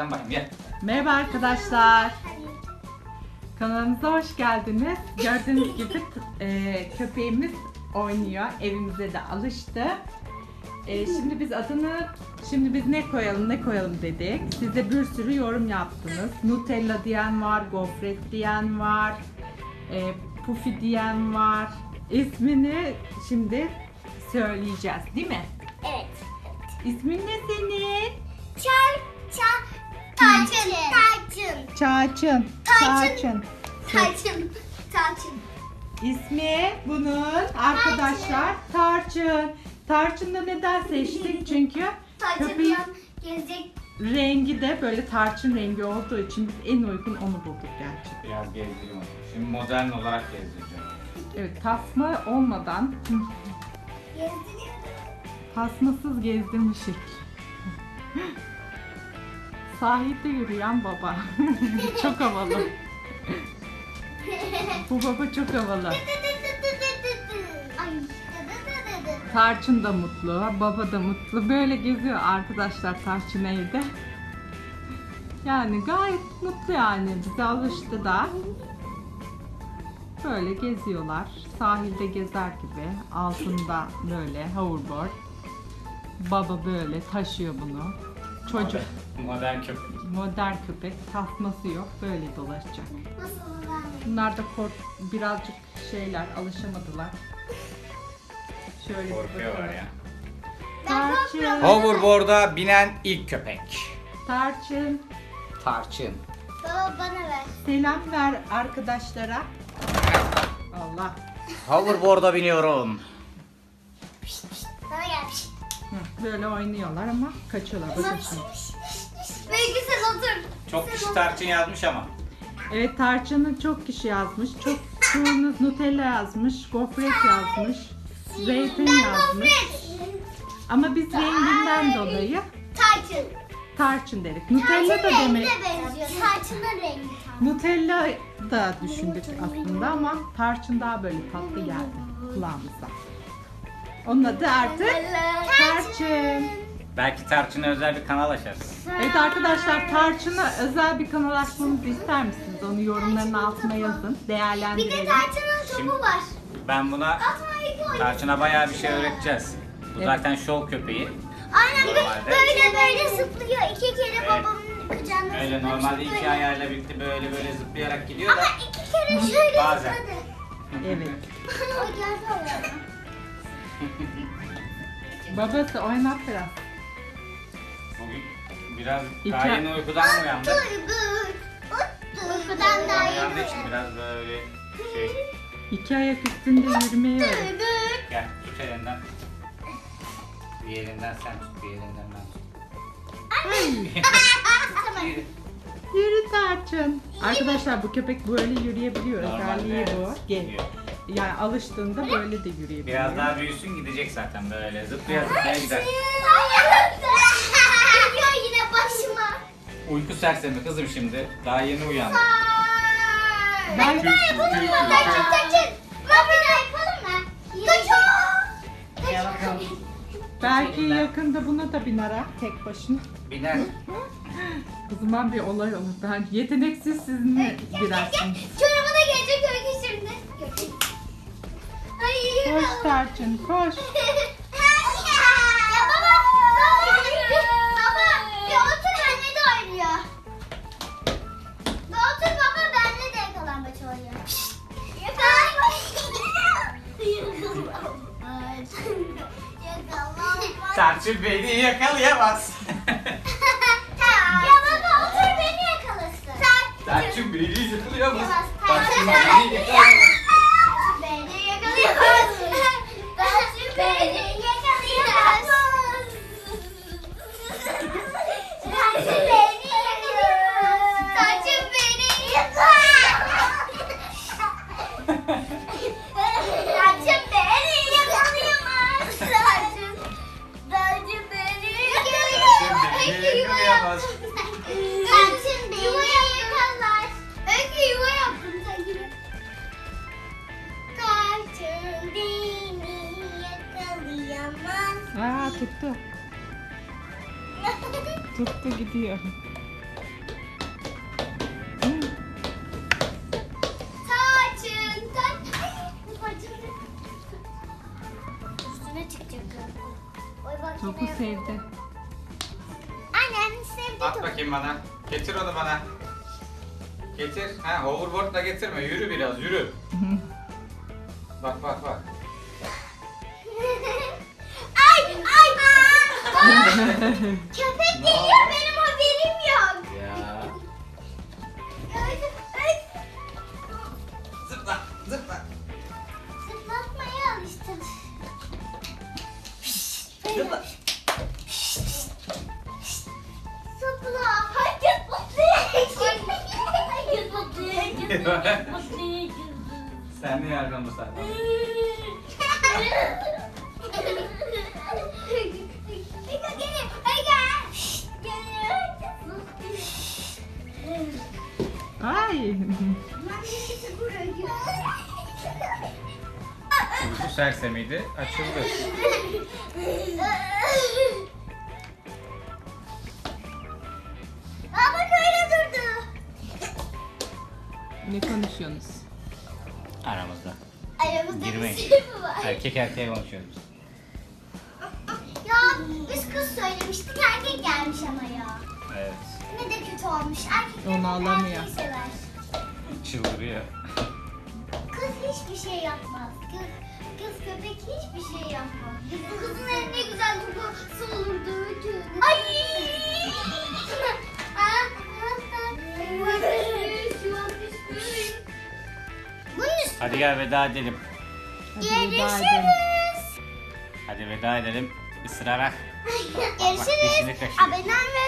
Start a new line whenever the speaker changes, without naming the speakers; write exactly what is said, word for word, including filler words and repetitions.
Sen bakayım gel.
Merhaba arkadaşlar. Kanalımıza hoş geldiniz. Gördüğünüz gibi e, köpeğimiz oynuyor. Evimize de alıştı. E, şimdi biz adını, şimdi biz ne koyalım ne koyalım dedik. Siz de bir sürü yorum yaptınız. Nutella diyen var, gofret diyen var, e, Puffy diyen var. İsmini şimdi söyleyeceğiz, değil mi?
Evet.
İsmin ne senin?
Çar, çar, tarçın, tarçın,
Çağçın.
Tarçın. tarçın, tarçın.
İsmi bunun arkadaşlar Tarçın. Tarçın da neden seçtik? Çünkü köpeğin
Tarçın gezecek.
rengi de böyle tarçın rengi olduğu için biz en uygun onu bulduk gerçekten.
Biraz gezdireyim onu. Şimdi modern olarak gezdireceğim.
Evet, tasma olmadan
Gezdiriyor.
tasmasız gezdirmişik. Sahilde yürüyen baba. Çok havalı. Bu baba çok havalı.
Ay.
Tarçın da mutlu, baba da mutlu. Böyle geziyor arkadaşlar Tarçın evde. Yani gayet mutlu yani. Bize alıştı da. Böyle geziyorlar. Sahilde gezer gibi. Altında böyle hoverboard. Baba böyle taşıyor bunu. Çocuk
Modern köpek.
modern köpek. Tasması yok. Böyle dolaşacak.
Nasıl ben?
Bunlar da kork birazcık şeyler alışamadılar. Şöyle bir
Korkuyorlar
bakalım.
ya.
Tarçın.
Hoverboard'a binen ilk köpek.
Tarçın.
Tarçın.
Baba bana ver.
Selam ver arkadaşlara. Allah.
Hoverboard'a biniyorum.
Bana gel.
Hı, böyle oynuyorlar ama kaçıyorlar. Bakın şimdi.
Belki sen otur.
Çok kişi Tarçın yazmış ama.
Evet, Tarçın'ı çok kişi yazmış. Çok çoğunuz Nutella yazmış. Gofret yazmış. Zeytin yazmış. Ama biz renginden dolayı
Tarçın.
Tarçın dedik. Nutella da
Tarçın
demek.
rengine benziyor. Tarçının rengi tam.
Nutella da düşündük aslında ama Tarçın daha böyle tatlı geldi kulağımıza. Onun adı artık Tarçın.
Belki Tarçın'a özel bir kanal açarız.
Evet arkadaşlar, Tarçın'a özel bir kanal açmamızı ister misiniz? Onu yorumların altına yazın.
Bir de
Değerlendirelim.
tarçının topu
Şimdi-
var.
Ben buna
Atma iki oyun.
Tarçın'a bayağı bir şey öğreteceğiz. Bu
Evet.
zaten şov köpeği.
Aynen bir de
Normalde-
böyle böyle zıplıyor. İki kere
Evet.
babamın kucağında
Öyle
zıplamıştı
normalde iki
böyle.
ayağıyla birlikte böyle böyle zıplayarak gidiyor da.
Ama iki kere şöyle
Bazen.
zıpladı.
Evet.
O geldi oraya.
Babası oynat biraz.
Bugün biraz
İki-
daha yeni uykudan mı uyandı?
Uykudan daha
Uyandığı
yeni.
için biraz böyle şey.
İki ayak üstünde yürümeyi öğret.
Gel tut elinden. Bir elinden sen tut, bir elinden ben tut. Yürü.
Yürü Tarçın. Arkadaşlar bu köpek böyle yürüyebiliyor. Özelliği
Normalde
bu.
evet,
Gel.
gidiyor.
Yani alıştığında böyle de yürüyebiliyor.
Biraz daha büyüsün gidecek zaten böyle zıplaya zıplaya gider.
Geliyor yine başıma.
Uyku sersemi kızım şimdi. Daha yeni uyandı.
Ben-
Bir daha yapalım mı? Kaçın kaçın. Bak bir daha yapalım mı? Kaçın.
Gel bakalım.
Belki yakında buna da biner ha, tek başına.
Biner.
O zaman bir olay olur. Ben yeteneksiz siz mi girersiniz?
Çorabı da gelecek öykü şimdi. Ay
Koş Tarçın, koş.
Ya baba, baba, baba, ya otur benimle de oynuyor. Ya otur baba, benimle de yakalambaç oynuyor. Yakalambaç.
Tarçın beni yakalayamaz.
Ya baba otur beni yakalasın.
Tarçın beni yakalayamaz.
Tarçın
Tarçın beni yakalayamaz.
beni yakalayamaz. Tarçın beni yakalayamaz. Tarçın beni yakalayamaz. Tarçın beni yakalayamaz. Tarçın beni yakalayamaz. Tarçın, Tarçın beni yakalayamaz.
Tarçın beni yakalayamaz.
Tarçın beni yakalar. Öykü yuva yaptım sen gibi. Tarçın beni yakalayamaz.
Aa, tuttu. Tuttu gidiyor. Topu sevdi.
Annem sevdi
At
topu.
bakayım bana. Getir onu bana. Getir. Ha, hoverboardla getirme. Yürü biraz, yürü. Bak bak bak.
Ay ay. Aa, köpek geliyor, benim haberim yok.
Ya.
Ay, ay.
Zıpla, zıpla.
Zıplatmaya alıştım.
Zıpla.
Zıpla. Hayır zıpla. Hayır zıpla.
Sen ne yardım bu sefer?
Ay.
Uyku sersemiydi, açıldı.
Aa bak öyle durdu.
Ne konuşuyorsunuz?
Aramızda.
Aramızda bir
Girmeyin.
şey mi var?
Erkek erkeğe konuşuyoruz.
Ya biz kız söylemiştik, erkek gelmiş ama ya.
Evet.
Ne de kötü olmuş. Erkekler
Onu alamıyor.
erkeği sever.
Çıldırıyor.
Kız hiçbir şey yapmaz. Kız, kız köpek hiçbir şey yapmaz. Kızın eline ne güzel kokusu olurdu. Ay! Bunun üstüne
Hadi gel veda edelim.
Hadi veda edelim.
görüşürüz.
Hadi veda edelim. Isırarak.
Görüşürüz.
dişini kaşıyor.
Abone olmayı